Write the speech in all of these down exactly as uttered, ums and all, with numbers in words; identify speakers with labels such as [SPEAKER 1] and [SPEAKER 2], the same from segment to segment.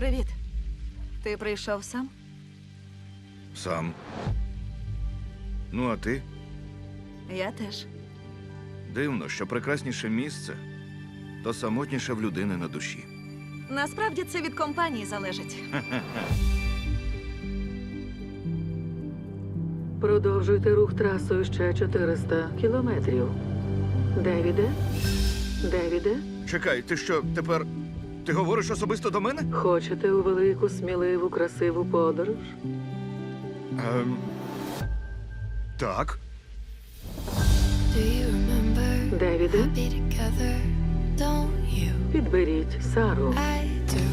[SPEAKER 1] Привіт. Ти прийшов сам?
[SPEAKER 2] Сам. Ну, а ти?
[SPEAKER 1] Я теж.
[SPEAKER 2] Дивно, що прекрасніше місце, то самотніше в людини на душі.
[SPEAKER 1] Насправді це від компанії залежить.
[SPEAKER 3] Продовжуйте рух трасою ще чотириста кілометрів. Девіде? Девіде?
[SPEAKER 2] Чекай, ти що, тепер... Ти говориш особисто до мене?
[SPEAKER 3] Хочете у велику, сміливу, красиву подорож?
[SPEAKER 2] Ем... Так.
[SPEAKER 4] Do you remember
[SPEAKER 3] Девіде,
[SPEAKER 4] be together? Don't you?
[SPEAKER 3] підберіть Сару.
[SPEAKER 4] I do.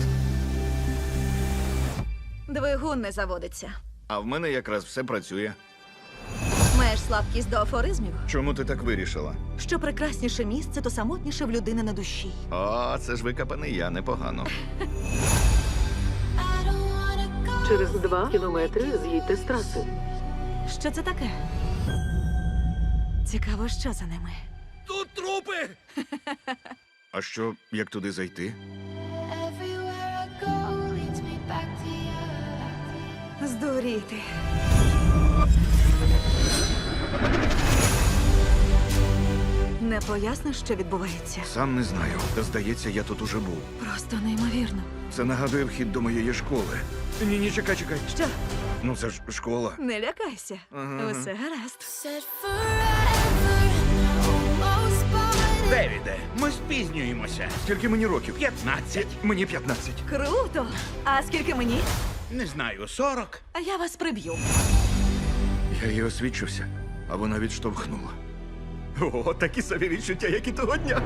[SPEAKER 1] Двигун не заводиться.
[SPEAKER 2] А в мене якраз все працює.
[SPEAKER 1] Маєш слабкість до афоризмів?
[SPEAKER 2] Чому ти так вирішила?
[SPEAKER 1] Що прекрасніше місце, то самотніше в людини на душі.
[SPEAKER 2] О, це ж викопаний я, непогано.
[SPEAKER 4] I don't wanna go.
[SPEAKER 3] Через два кілометри з'їдьте з траси.
[SPEAKER 1] Що це таке? Цікаво, що за ними.
[SPEAKER 2] Тут трупи! А що, як туди зайти?
[SPEAKER 4] Everywhere I go leads me back to you.
[SPEAKER 1] Здуріти. Не поясниш, що відбувається?
[SPEAKER 2] Сам не знаю. Та здається, я тут уже був.
[SPEAKER 1] Просто неймовірно.
[SPEAKER 2] Це нагадує вхід до моєї школи. Ні, ні, чекай, чекай.
[SPEAKER 1] Що?
[SPEAKER 2] Ну це ж школа.
[SPEAKER 1] Не лякайся.
[SPEAKER 2] Ага.
[SPEAKER 1] Усе гаразд.
[SPEAKER 4] Said forever and I almost bought it.
[SPEAKER 5] Девіде, ми спізнюємося.
[SPEAKER 2] Скільки мені років?
[SPEAKER 5] П'ятнадцять.
[SPEAKER 2] Мені п'ятнадцять.
[SPEAKER 1] Круто! А скільки мені?
[SPEAKER 5] Не знаю, сорок.
[SPEAKER 1] А я вас приб'ю.
[SPEAKER 2] Я їй освідчився, а вона відштовхнула. О, такі собі відчуття, як і того дня.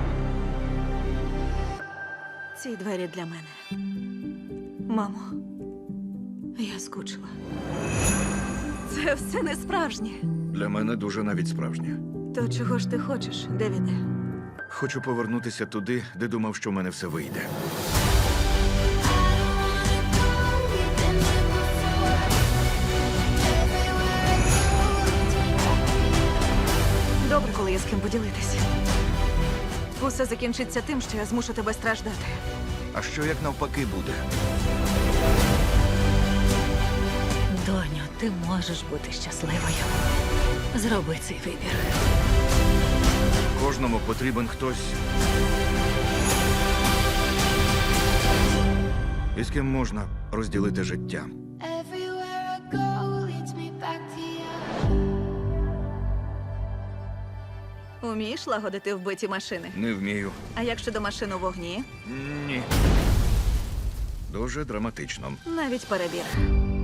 [SPEAKER 1] Ці двері для мене. Мамо, я скучила. Це все не справжнє.
[SPEAKER 2] Для мене дуже навіть справжнє.
[SPEAKER 1] То чого ж ти хочеш, Девіде?
[SPEAKER 2] Хочу повернутися туди, де думав, що в мене все вийде.
[SPEAKER 4] We've been there before. Everywhere I go leads me back to you.
[SPEAKER 1] Добре, коли є з ким поділитися. Усе закінчиться тим, що я змушу тебе страждати.
[SPEAKER 2] А що як навпаки буде?
[SPEAKER 1] Доню, ти можеш бути щасливою. Зроби цей вибір.
[SPEAKER 2] Кожному потрібен хтось, із ким можна розділити життя.
[SPEAKER 4] Everywhere I go leads me back to you.
[SPEAKER 1] Умієш лагодити вбиті машини?
[SPEAKER 2] Не вмію.
[SPEAKER 1] А як щодо машин у вогні?
[SPEAKER 2] Ні. Дуже драматично.
[SPEAKER 1] Навіть перебір.